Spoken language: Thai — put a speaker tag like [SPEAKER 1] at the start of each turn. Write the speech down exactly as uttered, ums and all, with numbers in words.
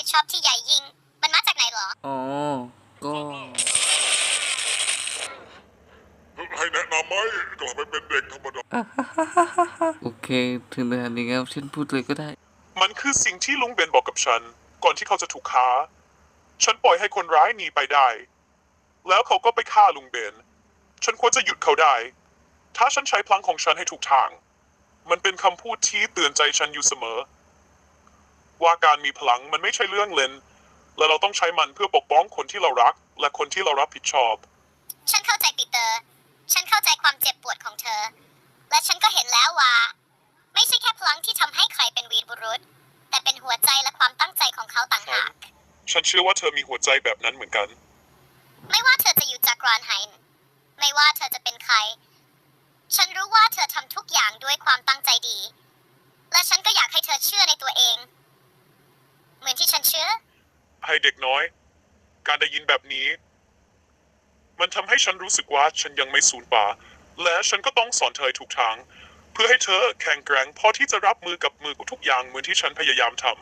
[SPEAKER 1] ดชอบที่ใหญ่ยิ่งมันมาจากไหนเหรอ
[SPEAKER 2] อ๋อก็
[SPEAKER 3] ให้แนะนำไหมกลับไปเป็นเด็กธรรมดา
[SPEAKER 2] โอเคถึงขนาดนี้แล้วฉันพูดเลยก็ได้
[SPEAKER 3] มันคือสิ่งที่ลุงเบนบอกกับฉัน ก่อนที่เขาจะถูกฆ่าฉันปล่อยให้คนร้ายหนีไปได้ แล้วเขาก็ไปฆ่าลุงเบนฉันควรจะหยุดเขาได้ ถ้าฉันใช้พลังของฉันให้ถูกทาง มันเป็นคำพูดที่เตือนใจฉันอยู่เสมอ ว่าการมีพลังมันไม่ใช่เรื่องเล่น และเราต้องใช้มันเพื่อปกป้องคนที่เรารัก และคนที่เรารับผิดชอบ
[SPEAKER 1] ฉันเข้าใจปีเตอร์ ฉันเข้าใจความเจ็บปวดของเธอ และฉันก็เห็นแล้วว่า ไม่ใช่แค่พลังที่ทำให้ใครเป็นวีรบุรุษ แต่เป็นหัวใจและความตั้งใจของเขาต่างหาก
[SPEAKER 3] ฉันเชื่อว่าเธอมีหัวใจแบบนั้นเหมือนกัน
[SPEAKER 1] ไม่ว่าเธอจะอยู่จากกรานไฮน์ไม่ว่าเธอจะเป็นใคร ฉันรู้ว่าเธอทำทุกอย่างด้วยความตั้งใจดี และฉันก็อยากให้เธอเชื่อในตัวเอง เหมือนที่ฉันเชื่อ
[SPEAKER 3] ให้เด็กน้อย การได้ยินแบบนี้ มันทำให้ฉันรู้สึกว่าฉันยังไม่สูญเปล่า และฉันก็ต้องสอนเธอทุกทาง เพื่อให้เธอแข็งแกร่งพอที่จะรับมือกับมือทุกอย่างเหมือนที่ฉันพยายามท